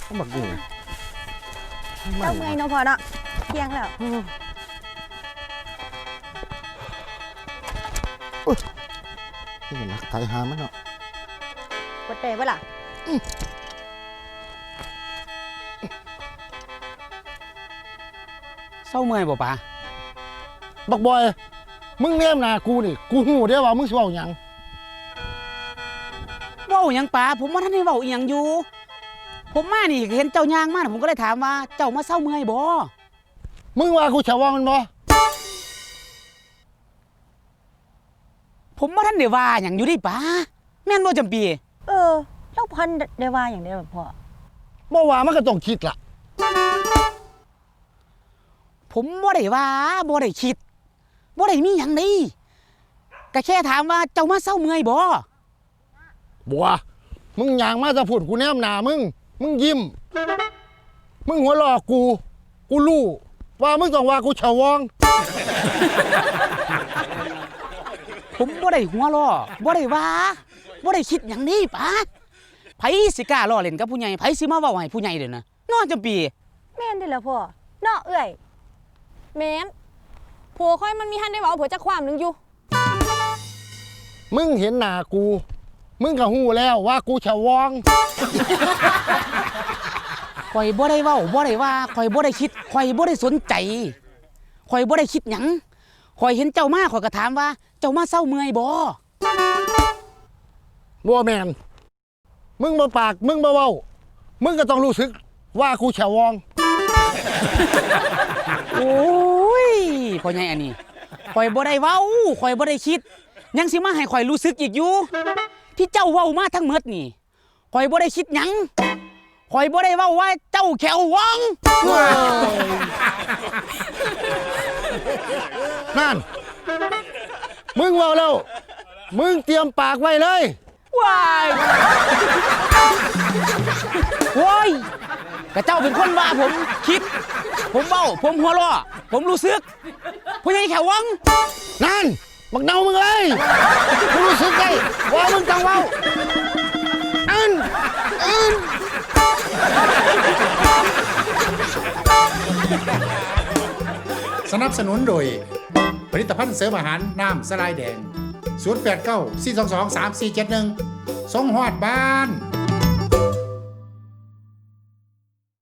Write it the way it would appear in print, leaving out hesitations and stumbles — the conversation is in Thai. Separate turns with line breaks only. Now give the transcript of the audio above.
ต้องบักอยู่
เจ้าเมื่อยเนาะพอเนาะเที่ยงแล้ว
นี่เห็นนักไต่หามันเนาะ
กดเตะปะล่ะ
เศร้าเมื่อยบ่ปะ
บักบอยมึงแนมหน้ากูนี่กูหูได้ว่ามึงสิเว้าหยัง
เว้าหยังปะผมว่าท่านได้เว้าอีหยังอยู่ผมมานี่เห็นเจ้าย่างมาผมก็เลยถามว่าเจ้ามาเศร้าเมื่อยบ่
มึงว่ากูฉะว่ามันบ่
ผมว่าท่านได้ว่าหยังอยู่ดิปะแม่นบ่จำปี
แล้วพันได้ว่าอย่างเดียวพ่อ
บ่ว่ามันก็ต้องคิดล่ะ
ผมบ่ได้ว่าบ่ได้คิดบ่ได้มีหยังนี่ก็แค่ถามว่าเจ้ามาเศร้าเมื่อยบ่
บัวมึงย่างมาจะพูดกูแนมหน้ามึงยิ้มมึงหัวเราะกูรู้ว่ามึงต้องว่ากูฉะวอง
ผมบ่ได้หัวล้อบ่ได้ว่าบ่ได้คิดหยังนี่ปะไผสิกล้าล้อเล่นกับผู้ใหญ่ไผสิมาเว้าให้ผู้ใหญ่เด้อนะน้อจำปี
แม่นได้แล้วพ่อเนาะเอ้ย
แม่นผัวค่อยมันมีหันได้เว้าผัวจักความนึงอยู่
มึงเห็นหน้ากูมึงก็ฮู้แล้วว่ากูฉะวอง
ข่อยบ่ได้เว้าบ่ได้ว่าข่อยบ่ได้คิดข่อยบ่ได้สนใจข่อยบ่ได้คิดหยังข่อยเห็นเจ้ามาข่อยก็ถามว่าเจ้ามาเศร้าเมื่อยบ่
แม่นมึงบ่ปากมึงบ่เว้ามึงก็ต้องรู้สึกว่ากูฉะวอง
โอ้ยพ่อใหญ่อันนี้ข่อยบ่ได้เว้าข่อยบ่ได้คิดยังสิมาให้ข่อยรู้สึกอีกอยู่ที่เจ้าเว้ามาทั้งหมดนี่ข่อยบ่ได้คิดหยังข่อยบ่ได้เว้าว่าเจ้าแขววัง
นั่นมึงเว้าแล้วมึงเตรียมปากไว้เลย
ว้ายโว้ยกะเจ้าเป็นคนว่าผมคิดผมเว้าผมหัวเราะผมรู้สึกพ่อใหญ่แขววัง
นั่นบักเนามึงเลยกูรู้สึกได้ว่ามึงต้องเว้า
สนับสนุนโดยผลิตภัณฑ์เสริมอาหารน้ำสลายแดง089 422 3471ส่งฮอดบ้าน